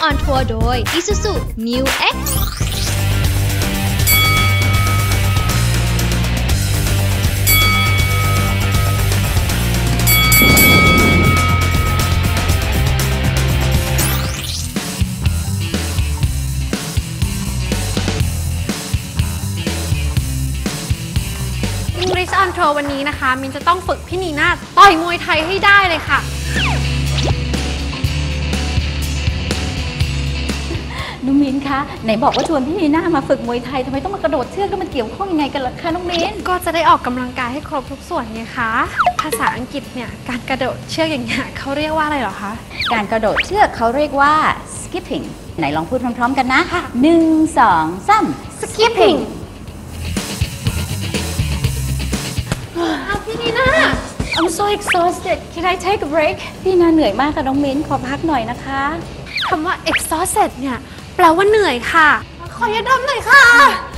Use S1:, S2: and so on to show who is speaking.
S1: on Tour โดย Isuzu New X
S2: English on Tour วันนี้นะคะมินจะต้องฝึกพี่นีน่าต่อยมวยไทยให้ได้เลยค่ะ
S3: น้องมิ้นคะไหนบอกว่าชวนพี่นีน่ามาฝึกมวยไทยทำไมต้องมากระโดดเชือกแล้วมันเกี่ยวข้องยังไงกันล่ะคะน้องมิ้น
S2: ก็จะได้ออกกำลังกายให้ครบทุกส่วนไงคะภาษาอังกฤษเนี่ยการกระโดดเชือกอย่างเงี้ยเขาเรียกว่าอะไรเหรอคะ
S3: การกระโดดเชือกเขาเรียกว่า skipping ไหนลองพูดพร้อมๆกันนะ1 2 3
S2: skipping พี่นีน่า I'm so exhausted Can I take a break
S3: พี่นีน่าเหนื่อยมากค่ะน้องมิ้นขอพักหน่อยนะคะ
S2: คำว่า exhausted เนี่ยแปลว่าเหนื่อยค่ะขอยาดมหน่อยค่ะ